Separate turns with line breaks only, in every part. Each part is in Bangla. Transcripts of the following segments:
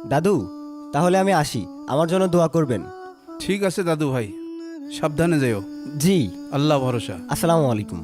দাদু, তাহলে আমি আসি, আমার জন্য দোয়া করবেন।
ঠিক আছে দাদু ভাই, সাবধানে যেও।
জি।
আল্লাহ ভরসা।
আসসালামু আলাইকুম।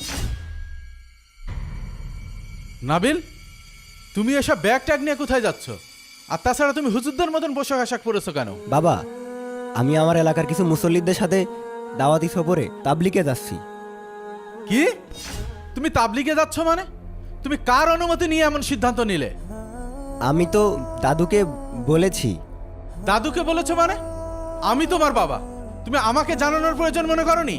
নাবিল, তুমি এসব ব্যাগ ট্যাগ নিয়ে কোথায় যাচ্ছ? আর তাছাড়া তুমি হুজুরদের মতন পোশাক আশাক পরেছো কেন?
বাবা, আমি আমার এলাকার কিছু মুসল্লিদের সাথে দাওয়াতি সফরে তাবলিগে যাচ্ছি।
কি? তুমি তাবলিগে যাচ্ছ মানে? তুমি কার অনুমতি নিয়ে এমন সিদ্ধান্ত নিলে?
আমি তো দাদুকে বলেছি।
দাদুকে বলেছো মানে? আমি তোমার বাবা, তুমি আমাকে জানানোর প্রয়োজন মনে করনি?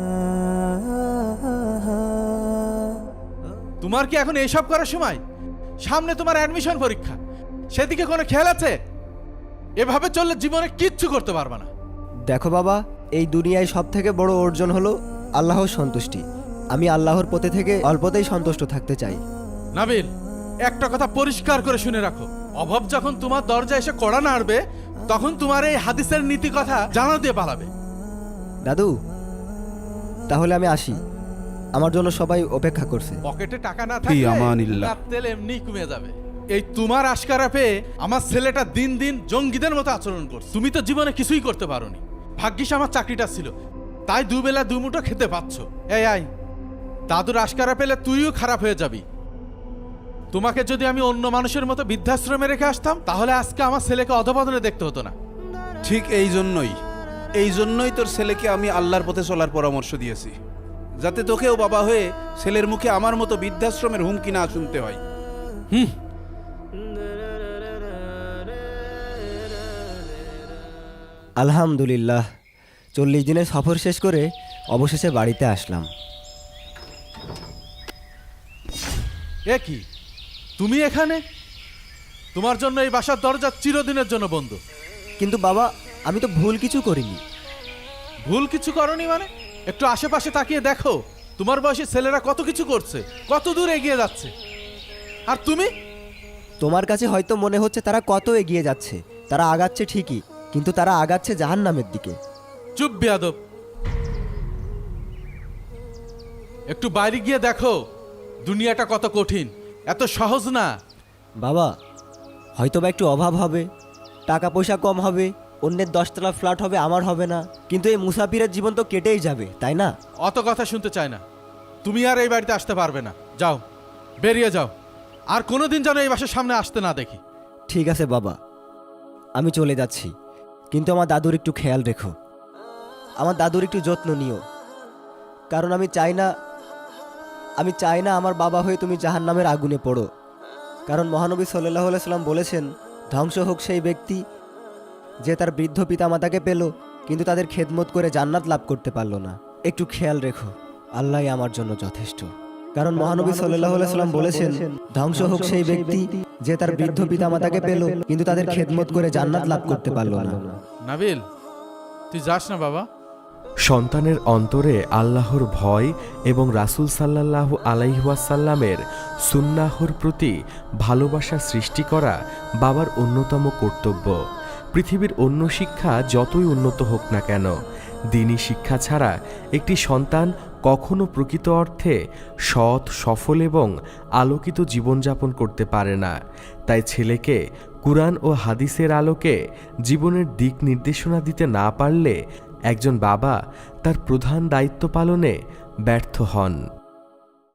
তোমার কি এখন এইসব করার সময়? সামনে তোমার অ্যাডমিশন পরীক্ষা, সেদিকে কোনো খেয়াল আছে? এভাবে চললে জীবনে কিচ্ছু করতে পারবে না।
দেখো বাবা, এই দুনিয়ায় সব থেকে বড় অর্জন হলো আল্লাহর সন্তুষ্টি। আমি আল্লাহর পথে থেকে অল্পতেই সন্তুষ্ট থাকতে চাই।
নাবিল, একটা কথা পরিষ্কার করে শুনে রাখো, অভাব যখন তোমার দরজা এসে কড়া নাড়বে, তখন তোমার এই হাদিসের নীতি কথা জানা দিয়ে পালাবে।
দাদু, তাহলে আমি আসি, আমার জন্য সবাই অপেক্ষা করছে।
পকেটে টাকা না
ফি
থাকলে
আমানিল্লাহ।
রাত তেল এমনি কমে যাবে। এই তোমার আশকারা পেয়ে আমার ছেলেটা দিন দিন জঙ্গিদের মতো আচরণ করছে। তুমি তো জীবনে কিছুই করতে পারোনি। ভাগ্যিস আমার চাকরিটা ছিল, তাই দুবেলা দুমুঠো খেতে পাচ্ছ। এই আয়, দাদুর আশকারা পেলে তুইও খারাপ হয়ে যাবি। তোমাকে যদি আমি অন্য মানুষের মতো বৃদ্ধাশ্রমে রেখে আসতাম, তাহলে আজকে আমার ছেলেকে অধপতনে দেখতে হতো না।
ঠিক এই জন্যই তোর ছেলেকে আমি আল্লাহর পথে চলার পরামর্শ দিয়েছি, যাতে তোকেও বাবা হয়ে ছেলের মুখে আমার মতো বৃদ্ধাশ্রমের হুমকি না শুনতে হয়।
আলহামদুলিল্লাহ, 40 দিনের সফর শেষ করে অবশেষে বাড়িতে আসলাম।
এ কি, তুমি এখানে? তোমার জন্য এই বাসার দরজা চিরদিনের জন্য বন্ধ।
কিন্তু বাবা, আমি তো ভুল কিছু করিনি।
ভুল কিছু করনি মানে? একটু আশেপাশে তাকিয়ে দেখো, তোমার বয়সী ছেলেরা কত কিছু করছে, কত দূর এগিয়ে যাচ্ছে। আর তুমি?
তোমার কাছে হয়তো মনে হচ্ছে তারা কত এগিয়ে যাচ্ছে, তারা আগাচ্ছে ঠিকই, কিন্তু তারা আগাচ্ছে জাহান্নামের দিকে।
চুপ বেয়াদব, একটু বাইরে গিয়ে দেখো দুনিয়াটা কত কঠিন, এত সহজ না।
বাবা, হয়তো বা একটু অভাব হবে, টাকা পয়সা কম হবে, অন্যের 10তলা ফ্ল্যাট হবে, আমার হবে না, কিন্তু এই মুসাফিরের জীবন তো কেটেই যাবে, তাই না?
অত কথা শুনতে চায় না। তুমি আর এই বাড়িতে আসতে পারবে না, যাও, বেরিয়ে যাও। আর কোনোদিন যেন এই বাসার সামনে আসতে না দেখি।
ঠিক আছে বাবা, আমি চলে যাচ্ছি, কিন্তু আমার দাদুর একটু খেয়াল রেখো, আমার দাদুর একটু যত্ন নিও, কারণ আমি চাই না আমার বাবা হয়ে তুমি জাহান্নামের আগুনে পড়ো। কারণ মহানবী সাল্লাল্লাহু আলাইহি সাল্লাম বলেছেন, ধ্বংস হোক সেই ব্যক্তি যে তার বৃদ্ধ পিতামাতাকে পেল কিন্তু তাদের খেদমত করে জান্নাত লাভ করতে পারলো না। একটু খেয়াল রেখো, আল্লাহই আমার জন্য যথেষ্ট। কারণ মহানবী সাল্লাল্লাহু আলাইহি সাল্লাম বলেছেন, ধ্বংস হোক সেই ব্যক্তি যে তার বৃদ্ধ পিতামাতাকে পেল কিন্তু তাদের খেদমত করে জান্নাত লাভ করতে পারলো না।
নাবিল, তুই যাস না বাবা।
সন্তানের অন্তরে আল্লাহর ভয় এবং রাসূল সাল্লাল্লাহু আলাইহি ওয়াসাল্লামের সুন্নাহর প্রতি ভালোবাসা সৃষ্টি করা বাবার অন্যতম কর্তব্য। পৃথিবীর অন্য শিক্ষা যতই উন্নত হোক না কেন, দ্বীনি শিক্ষা ছাড়া একটি সন্তান কখনো প্রকৃত অর্থে সৎ, সফল এবং আলোকিত জীবনযাপন করতে পারে না। তাই ছেলেকে কুরআন ও হাদিসের আলোকে জীবনের দিক নির্দেশনা দিতে না পারলে একজন বাবা তার প্রধান দায়িত্ব পালনে ব্যর্থ হন।